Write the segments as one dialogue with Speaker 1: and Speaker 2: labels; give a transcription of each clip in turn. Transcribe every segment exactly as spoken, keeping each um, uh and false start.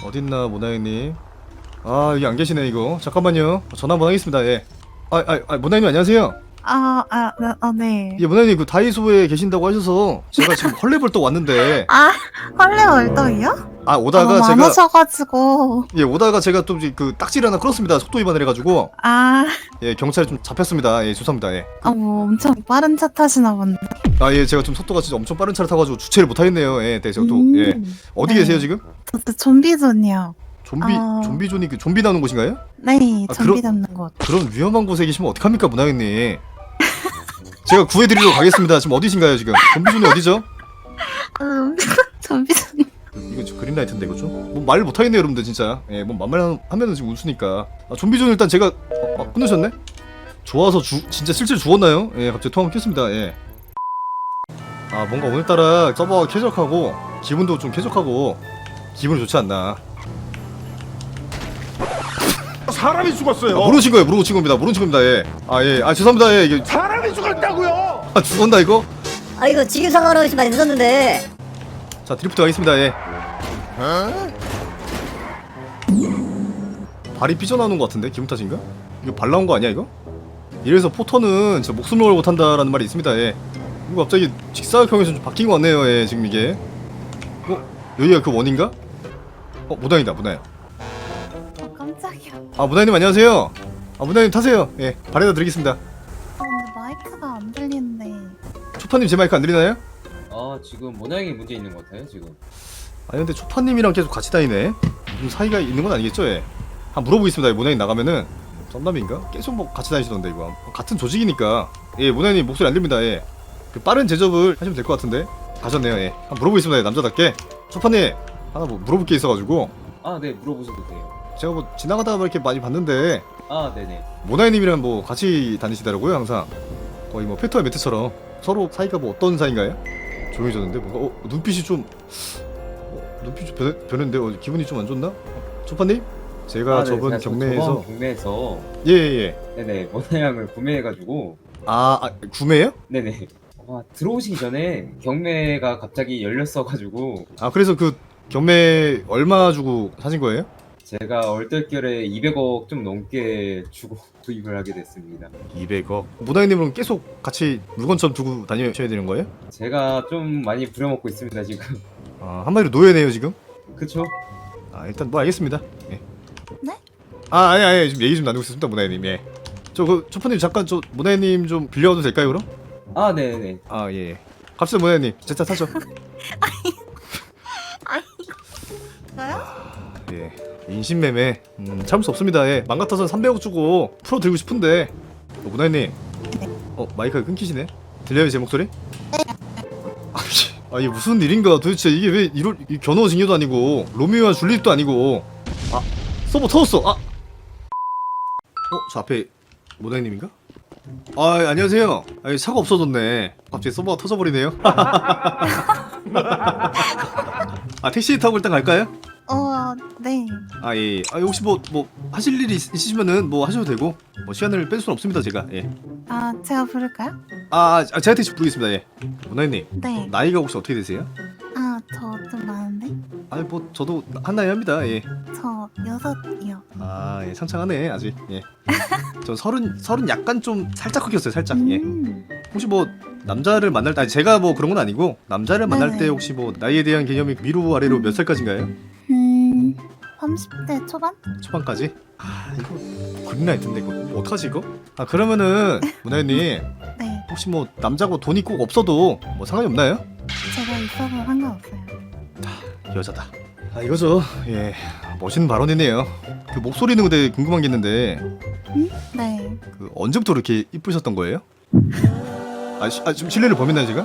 Speaker 1: 어딨나 모나이님. 아 여기 안 계시네 이거. 잠깐만요. 전화 한번 하겠습니다. 예. 아, 아, 아 모나이님 안녕하세요.
Speaker 2: 아, 아, 아, 아, 네.
Speaker 1: 예, 모나이님 그 다이소에 계신다고 하셔서 제가 지금 헐레벌떡 왔는데.
Speaker 2: 아, 헐레 월떡이요?
Speaker 1: 아 오다가
Speaker 2: 아,
Speaker 1: 제가
Speaker 2: 많으셔가지고.
Speaker 1: 예 오다가 제가 또 그 딱지를 하나 끌었습니다. 속도 위반을 해가지고.
Speaker 2: 아,
Speaker 1: 예 경찰에 좀 잡혔습니다. 예 죄송합니다. 예.
Speaker 2: 아, 뭐 엄청 빠른 차 타시나 본데.
Speaker 1: 아 예 제가 좀 속도가 진짜 엄청 빠른 차를 타가지고 주체를 못 하겠네요. 예, 네 제가 또
Speaker 2: 음,
Speaker 1: 예 어디
Speaker 2: 네.
Speaker 1: 계세요 지금?
Speaker 2: 저도 좀비존이요.
Speaker 1: 좀비
Speaker 2: 아.
Speaker 1: 좀비존이 그 좀비 나오는 곳인가요?
Speaker 2: 네,
Speaker 1: 아,
Speaker 2: 좀비
Speaker 1: 그럼-
Speaker 2: 잡는 곳.
Speaker 1: 그런 위험한 곳에 계시면 어떡합니까 모나이님. 제가 구해드리러 가겠습니다. 지금 어디신가요 지금? 좀비존이 어디죠?
Speaker 2: 음, 좀비존.
Speaker 1: 이거 지금 그린라이트인데 이거 좀? 뭐 말 못하겠네요 여러분들 진짜. 예, 뭐 만말 하면은 지금 웃으니까. 아, 좀비존 일단 제가 어, 아, 끊으셨네? 좋아서 주 진짜 실제로 죽었나요? 예, 갑자기 통화 켰습니다. 예. 아 뭔가 오늘따라 서버가 쾌적하고 기분도 좀 쾌적하고 기분이 좋지 않나.
Speaker 3: 사람이 죽었어요.
Speaker 1: 아, 모르신 거예요. 모르고 친 겁니다. 모르는 친 겁니다. 예. 아 예. 아 죄송합니다. 예. 이게
Speaker 3: 사람이 죽었다고요.
Speaker 1: 아 죽었나 이거?
Speaker 4: 아 이거 지금 상황으로 많이 늦었는데.
Speaker 1: 자 드리프트 가겠습니다. 예. 발이 삐져나오는 것 같은데 기분 탓인가? 이거 발 나온 거 아니야 이거? 이래서 포터는 진짜 목숨을 걸고 탄다라는 말이 있습니다. 예. 이거 갑자기 직사각형에서 좀 바뀐 것 같네요. 예 지금 이게. 어? 여기가 그 원인가? 어 무당이다 무당.
Speaker 2: 어, 깜짝이야.
Speaker 1: 아 무당님 안녕하세요. 아 무당님 타세요. 예 발에다 드리겠습니다.
Speaker 2: 어, 근데 마이크가 안 들리는데.
Speaker 1: 초파님 제 마이크 안 들리나요?
Speaker 5: 아 지금 모양이 문제 있는 것 같아요 지금.
Speaker 1: 아니 근데 초파님이랑 계속 같이 다니네. 무슨 사이가 있는 건 아니겠죠? 예. 한번 물어보겠습니다. 모나님 나가면은 썸남인가? 계속 뭐 같이 다니시던데 이거 같은 조직이니까. 예 모나님 목소리 안 들립니다. 예. 그 빠른 제접을 하시면 될 것 같은데 가셨네요. 예. 한번 물어보겠습니다. 예, 남자답게. 초파님 하나 뭐 물어볼 게 있어가지고
Speaker 5: 아 네 물어보셔도 돼요.
Speaker 1: 제가 뭐 지나가다가 뭐 이렇게 많이 봤는데
Speaker 5: 아 네네.
Speaker 1: 모나님이랑 뭐 같이 다니시더라고요 항상. 거의 뭐 페터와 매트처럼 서로 사이가 뭐 어떤 사이인가요? 조용해졌는데 뭔가 어 눈빛이 좀 어, 눈빛이 좀 변, 변했는데 어, 기분이 좀 안 좋나? 어, 초파님? 제가
Speaker 5: 아, 네,
Speaker 1: 저번
Speaker 5: 제가 저-
Speaker 1: 경매에서
Speaker 5: 저번 경매에서
Speaker 1: 예예예
Speaker 5: 네네 모양을 구매해가지고
Speaker 1: 아, 아 구매예요?
Speaker 5: 네네. 아, 들어오시기 전에 경매가 갑자기 열렸어가지고
Speaker 1: 아 그래서 그 경매 얼마 주고 사신 거예요?
Speaker 5: 제가 얼떨결에 이백억 좀 넘게 주고 구입을 하게 됐습니다.
Speaker 1: 이백억 모다이님은 계속 같이 물건처럼 두고 다니셔야 되는 거예요?
Speaker 5: 제가 좀 많이 부려먹고 있습니다 지금.
Speaker 1: 아 한마디로 노예네요 지금?
Speaker 5: 그쵸?
Speaker 1: 아 일단 뭐 알겠습니다. 예.
Speaker 2: 네?
Speaker 1: 아 아니 아니 지금 얘기 좀 나누고 있습니다 모다이님. 예. 저 그 초파님 잠깐 저 모다이님 좀 빌려도 될까요 그럼?
Speaker 5: 아 네네.
Speaker 1: 아 예. 예. 갑시다 모다이님 제 차 타죠.
Speaker 2: 저요?
Speaker 1: 예. 인신매매 음, 참을 수 없습니다. 예. 맘 같아서는 삼백억 주고 풀어 드리고 싶은데 어, 모다이님 어 마이크가 끊기시네. 들려요 제 목소리? 아씨 아 이게 무슨 일인가 도대체. 이게 왜 이럴 이 견우 징여도 아니고 로미오와 줄리엣도 아니고. 아 서버 터졌어. 아 어? 저 앞에 모다이님인가? 아 안녕하세요. 아 차가 없어졌네. 갑자기 서버가 터져버리네요. 아 택시 타고 일단 갈까요?
Speaker 2: 어, 네.
Speaker 1: 아 예. 아 혹시 뭐 뭐 하실 일이 있, 있으시면은 뭐 하셔도 되고 뭐 시간을 뺄 수는 없습니다 제가. 예.
Speaker 2: 아, 제가 부를까요?
Speaker 1: 아, 아 제가 택시 부르겠습니다. 예. 모나님
Speaker 2: 네.
Speaker 1: 나이가 혹시 어떻게 되세요?
Speaker 2: 아, 저 좀 많은데?
Speaker 1: 아니 뭐 저도 한 나이 합니다. 예.
Speaker 2: 저 여섯이요.
Speaker 1: 아 예, 창창하네 아직. 예. 저 서른 서른 약간 좀 살짝 흑였어요 살짝. 예.
Speaker 2: 음.
Speaker 1: 혹시 뭐 남자를 만날 때 아니 제가 뭐 그런 건 아니고 남자를 만날
Speaker 2: 네네.
Speaker 1: 때 혹시 뭐 나이에 대한 개념이 위로 아래로 몇 살까지인가요?
Speaker 2: 음, 삼십 대 초반?
Speaker 1: 초반까지? 아 이거 그린라이트인데 이거 뭐 어떡하지 이거? 아 그러면은 문화연님
Speaker 2: 네.
Speaker 1: 혹시 뭐 남자고 돈이 꼭 없어도 뭐 상관이 없나요?
Speaker 2: 제가 있어서 상관없어요.
Speaker 1: 여자다. 아 이거죠. 예 멋있는 발언이네요. 그 목소리는 근데 궁금한 게 있는데
Speaker 2: 음? 네.
Speaker 1: 그 언제부터 이렇게 이쁘셨던 거예요? 아, 시, 아 지금 실례를 범했나요 제가?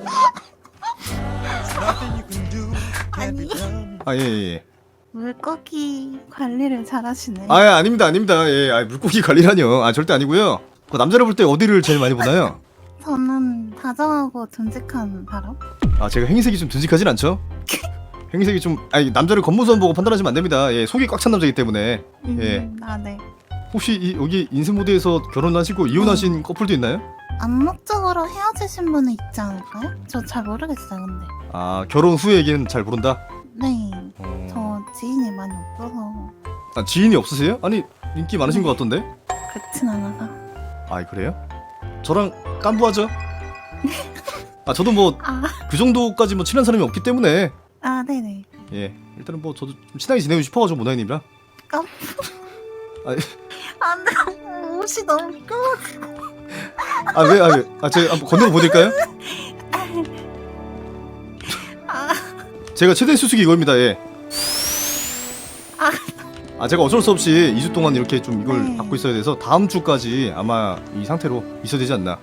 Speaker 2: 아니,
Speaker 1: 아 예 예. 예.
Speaker 2: 물고기 관리를 잘하시네.
Speaker 1: 아 예, 아닙니다 아닙니다. 예 아, 물고기 관리라뇨. 아 절대 아니고요. 그 남자를 볼 때 어디를 제일 많이 보나요?
Speaker 2: 저는 다정하고 듬직한 사람?
Speaker 1: 아 제가 행색이 좀 듬직하진 않죠? 행색이 좀 아니 남자를 겉모습만 보고 판단하시면 안 됩니다. 예 속이 꽉 찬 남자이기 때문에.
Speaker 2: 음,
Speaker 1: 예.
Speaker 2: 아, 네.
Speaker 1: 혹시 이, 여기 인생모드에서 결혼하시고 이혼하신 커플도 있나요?
Speaker 2: 암묵적으로 헤어지신 분은 있지 않을까요? 저 잘 모르겠어요, 근데.
Speaker 1: 아 결혼 후의 얘기는 잘 모른다.
Speaker 2: 네.
Speaker 1: 어...
Speaker 2: 저 지인이 많이 없어서
Speaker 1: 아, 지인이 없으세요? 아니 인기 많으신 것 같던데?
Speaker 2: 그렇진 않아서.
Speaker 1: 아 그래요? 저랑 깐부하죠? 아 저도 뭐 그
Speaker 2: 아,
Speaker 1: 정도까지 뭐 친한 사람이 없기 때문에
Speaker 2: 아 네네.
Speaker 1: 예 일단은 뭐 저도 좀 친하게 지내고 싶어가지고 모나이님이랑
Speaker 2: 깜.
Speaker 1: 아니.
Speaker 2: 안돼. 옷이 너무 미끄러워.
Speaker 1: 아 왜? 아 왜? 아 제가 한번 건너고 보낼까요?
Speaker 2: 아,
Speaker 1: 제가 최대 수수기 이겁니다. 예.
Speaker 2: 아.
Speaker 1: 아 제가 어쩔 수 없이 이 주 동안 이렇게 좀 이걸
Speaker 2: 네.
Speaker 1: 받고 있어야 돼서 다음 주까지 아마 이 상태로 있어야 되지 않나.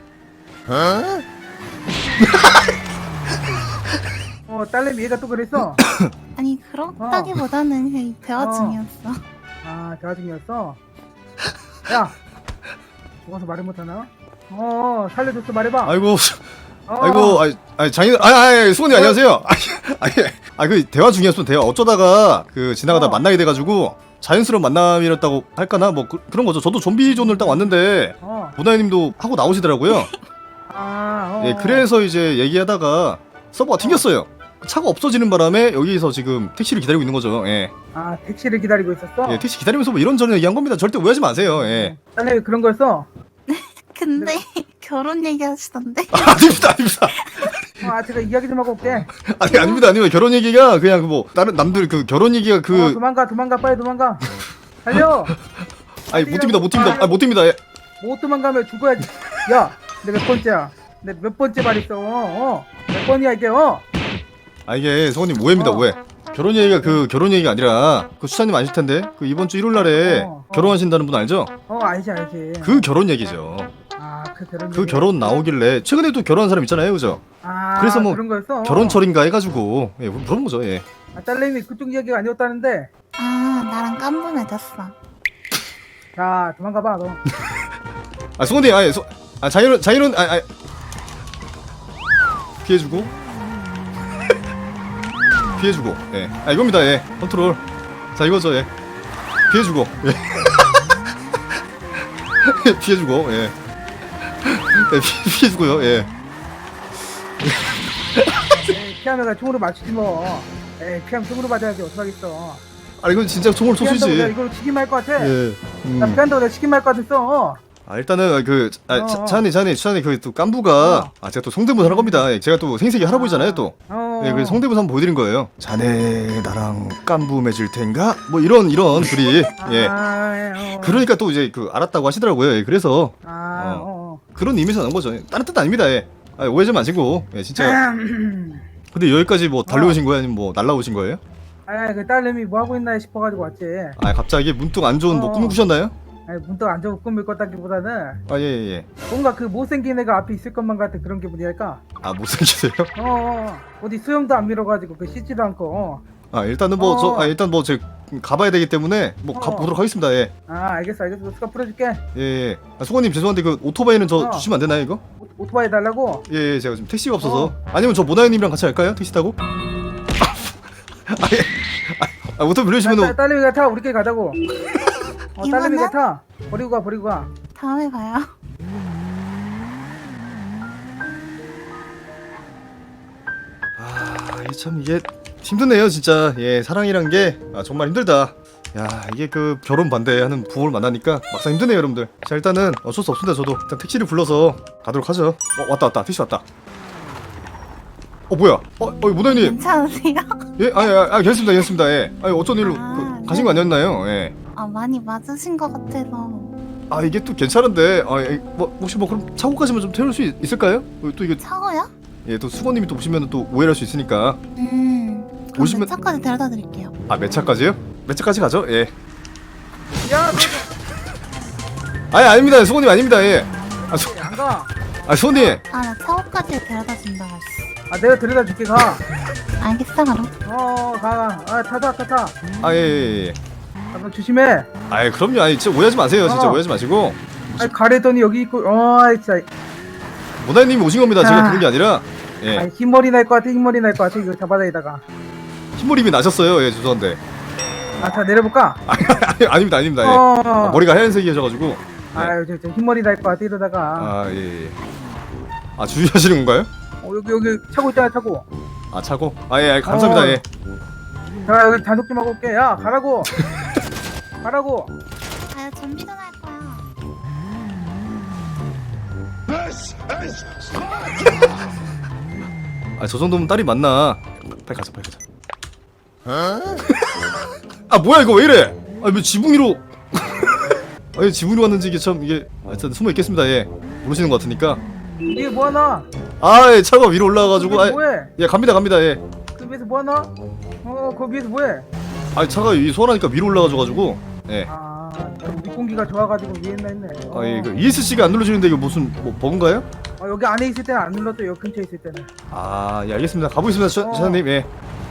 Speaker 6: 어 딸내미 얘가 또 그랬어?
Speaker 2: 아니 그렇다기보다는 그냥 대화
Speaker 6: 어.
Speaker 2: 중이었어.
Speaker 6: 아 대화 중이었어? 야 죽어서 말을 못하나? 어 살려줬어 말해봐.
Speaker 1: 아이고
Speaker 6: 어.
Speaker 1: 아이고 아이 아이 장인 아이 아이 수건이
Speaker 6: 어.
Speaker 1: 안녕하세요. 아이 아그 대화 중이었으면 대화 어쩌다가 그 지나가다
Speaker 6: 어.
Speaker 1: 만나게 돼가지고 자연스러운 만남이었다고 할까나 뭐 그, 그런 거죠. 저도 좀비 존을 딱 왔는데
Speaker 6: 어.
Speaker 1: 모나이님도 하고 나오시더라고요.
Speaker 6: 아 어.
Speaker 1: 예, 그래서 이제 얘기하다가 서버가 튕겼어요. 차가 없어지는 바람에 여기서 지금 택시를 기다리고 있는 거죠. 예,
Speaker 6: 아 택시를 기다리고 있었어?
Speaker 1: 예 택시 기다리면서 뭐 이런저런 얘기한 겁니다. 절대 오해하지 마세요. 예.
Speaker 6: 딸내미 그런 거였어?
Speaker 2: 근데 결혼 얘기하시던데.
Speaker 1: 아닙니다, 아닙니다.
Speaker 6: 어, 아 제가 이야기 좀 하고 올게.
Speaker 1: 아니 아닙니다, 아닙니다. 결혼 얘기가 그냥 그 뭐 다른 남들 그 결혼 얘기가
Speaker 6: 어,
Speaker 1: 그
Speaker 6: 도망가 도망가 빨리 도망가. 달려.
Speaker 1: 아니 못 뜁니다, 못 뜁니다, 아, 못 뜁니다. 예.
Speaker 6: 못 도망가면 죽어야지. 야, 내가 몇 번째야? 내가 몇 번째 말했어? 어, 몇 번이야 이게? 어?
Speaker 1: 아 이게 성우님 오해입니다,
Speaker 6: 어.
Speaker 1: 오해. 결혼 얘기가 그 결혼 얘기가 아니라 그 수사님 아실 텐데 그 이번 주 일요일 날에
Speaker 6: 어, 어.
Speaker 1: 결혼하신다는 분 알죠?
Speaker 6: 어, 알지 알지.
Speaker 1: 그 결혼 얘기죠.
Speaker 6: 아, 그 결혼.
Speaker 1: 그
Speaker 6: 얘기.
Speaker 1: 결혼 나오길래 최근에 또 결혼한 사람 있잖아요, 그죠?
Speaker 6: 아,
Speaker 1: 그래서 뭐
Speaker 6: 그런 거였어.
Speaker 1: 결혼철인가 해가지고 예 그런 거죠. 예.
Speaker 6: 아, 딸내미 그쪽 이야기가 아니었다는데.
Speaker 2: 아 나랑 깐부 맺었어.
Speaker 6: 자, 도망가 봐 너.
Speaker 1: 아 수건님 아예 소... 아 자이론 자이론 아, 아 피해주고 피해주고 예아 이겁니다. 예 컨트롤 자 이거죠. 예 피해주고 예 피해주고 예, 예 피, 피해주고요. 예
Speaker 6: 에이, 피하면 총으로 맞추지 뭐. 에이, 피하면 총으로 맞아야지 어떡하겠어.
Speaker 1: 아 이건 진짜 총을
Speaker 6: 피한다고 내가
Speaker 1: 쏘시지.
Speaker 6: 이걸로 치긴 말 것 같아.
Speaker 1: 예 음.
Speaker 6: 나 피한다고 내가 치긴 말 것 같았어.
Speaker 1: 아 일단은 그 아,
Speaker 6: 어.
Speaker 1: 차니 차니 차니 그 또 깐부가
Speaker 6: 어.
Speaker 1: 아 제가 또 성대모사 하는 겁니다. 예, 제가 또 생색이 할아버지잖아요 또.
Speaker 6: 어.
Speaker 1: 예, 그래서 성대모사 한번 보여드린 거예요. 자네 나랑 깐부 맺을 텐가? 뭐 이런 이런 둘이 예.
Speaker 6: 아, 예, 어.
Speaker 1: 그러니까 또 이제 그 알았다고 하시더라고요. 예, 그래서
Speaker 6: 아,
Speaker 1: 어.
Speaker 6: 어.
Speaker 1: 그런 의미에서 나온 거죠. 예, 다른 뜻 아닙니다. 예. 아, 오해 좀 마시고 예, 진짜.
Speaker 6: 음.
Speaker 1: 근데 여기까지 뭐 달려오신 거예요? 아니면 뭐 날라오신 거예요?
Speaker 6: 아, 그 딸내미 뭐 하고 있나 싶어가지고 왔지.
Speaker 1: 아 갑자기 문득 안 좋은 뭐
Speaker 6: 어.
Speaker 1: 꿈을 꾸셨나요?
Speaker 6: 아니, 문득 안 좋고 꿈을 꿨다기보다는
Speaker 1: 아 예예 예.
Speaker 6: 뭔가 그 못생긴 애가 앞에 있을 것만 같은 그런 기분이랄까.
Speaker 1: 아 못생기세요?
Speaker 6: 어, 어. 어디 수염도 안 밀어가지고 그 씻지도 않고. 어.
Speaker 1: 아 일단은 뭐 저
Speaker 6: 어.
Speaker 1: 아, 일단 뭐 제 가봐야 되기 때문에 뭐
Speaker 6: 어.
Speaker 1: 가보도록 하겠습니다. 예.
Speaker 6: 아, 알겠어, 알겠어. 수가 풀어줄게.
Speaker 1: 예, 예. 아, 수건님 죄송한데 그 오토바이는 저
Speaker 6: 어.
Speaker 1: 주시면 안 되나요 이거?
Speaker 6: 오, 오토바이 달라고?
Speaker 1: 예, 예 제가 지금 택시가 없어서
Speaker 6: 어.
Speaker 1: 아니면 저 모나이님이랑 같이 갈까요? 택시 타고? 아, 예. 아, 오토
Speaker 6: 아,
Speaker 1: 빌려주시면
Speaker 6: 딸- 딸내미가 타. 우리끼리 가자고. 어, 딸내미가
Speaker 2: 이거는?
Speaker 6: 타. 버리고 가, 버리고 가.
Speaker 2: 다음에 봐요.
Speaker 1: 아, 이게 참 이게 힘드네요 진짜. 예, 사랑이란 게 아, 정말 힘들다. 야, 이게 그 결혼 반대하는 부모를 만나니까 막상 힘드네요 여러분들. 자 일단은 어쩔 수 없습니다. 저도 일단 택시를 불러서 가도록 하죠. 어 왔다 왔다 택시 왔다. 어 뭐야? 어, 어 모나이님.
Speaker 2: 괜찮으세요?
Speaker 1: 예, 아, 아, 아 괜찮습니다, 괜찮습니다. 예, 아니 어쩐 일로
Speaker 2: 아,
Speaker 1: 그, 가신 거 아니었나요? 예.
Speaker 2: 아 많이 맞으신 것 같아서.
Speaker 1: 아 이게 또 괜찮은데, 아, 예, 뭐 혹시 뭐 그럼 차고까지만 좀 태울 수 있, 있을까요? 어, 또 이게
Speaker 2: 차고요?
Speaker 1: 예, 또 수건님이 또 보시면 또 오해할 수 있으니까.
Speaker 2: 음. 그럼
Speaker 1: 오시면-
Speaker 2: 몇 차까지 데려다 드릴게요.
Speaker 1: 아 몇 차까지요? 몇 차까지 가죠? 예.
Speaker 6: 야,
Speaker 1: 아니 아닙니다, 수건님 아닙니다. 예. 아, 수,
Speaker 6: 너 안 가.
Speaker 1: 아 수건님.
Speaker 2: 아 나 차고까지 데려다 준다고 했어.
Speaker 6: 아, 내가 데려다 줄게, 가.
Speaker 2: 알겠어 그럼.
Speaker 6: 어, 가, 가. 아, 타, 타, 타, 타.
Speaker 1: 아 예, 예, 예.
Speaker 6: 아, 너 조심해.
Speaker 1: 아 그럼요. 아니 진짜 오해하지 마세요. 진짜
Speaker 6: 어.
Speaker 1: 오해하지 마시고.
Speaker 6: 아, 가래더니 여기 있고, 어, 아이, 진짜.
Speaker 1: 모나님이 오신 겁니다. 제가
Speaker 6: 아.
Speaker 1: 부른 게 아니라.
Speaker 6: 아,
Speaker 1: 예.
Speaker 6: 흰머리 날 것 같아, 흰머리 날 것 같아. 이거 잡아다니다가.
Speaker 1: 흰머리미 나셨어요. 예, 죄송한데.
Speaker 6: 아, 자, 내려볼까?
Speaker 1: 아니, 아닙니다, 아닙니다. 예.
Speaker 6: 어,
Speaker 1: 아, 머리가 하얀색이셔가지고.
Speaker 6: 아유, 저, 저 흰머리 날 것 같아, 이러다가.
Speaker 1: 아 예. 예. 아 주의하시는 건가요?
Speaker 6: 어, 여기, 여기 차고 있잖아, 차고.
Speaker 1: 아 차고? 아예 예, 감사합니다.
Speaker 6: 어.
Speaker 1: 예.
Speaker 6: 자 여기 단속 좀 하고 올게. 야 가라고. 가라고.
Speaker 2: 아 준비는 할 거야.
Speaker 1: 아 저 정도면 딸이 맞나? 빨리 가자 빨리 가자. 아 뭐야 이거 왜 이래? 아왜 지붕 위로? 아니 지붕 위로 왔는지 이게 참 이게 아, 일단 숨어 있겠습니다. 예 모르시는 것 같으니까.
Speaker 6: 이게 뭐하나?
Speaker 1: 아 예, 차가 위로 올라가가지고 아,
Speaker 6: 뭐해?
Speaker 1: 예 갑니다 갑니다 예.
Speaker 6: 그 위에서 뭐하나? 어 거기 위에서 뭐해?
Speaker 1: 아 차가 위 소환하니까 위로 올라가줘가지고 예.
Speaker 6: 아 밑공기가 좋아가지고 위에 있나 했네. 어.
Speaker 1: 아, 예, 그 이에스씨가 안 눌러지는데 이거 무슨 뭐 버그인가요?
Speaker 6: 어, 여기 안에 있을 때는 안 눌렀죠. 여기 근처에 있을 때는.
Speaker 1: 아, 예, 알겠습니다. 가보겠습니다, 차,
Speaker 6: 어.
Speaker 1: 차장님. 예.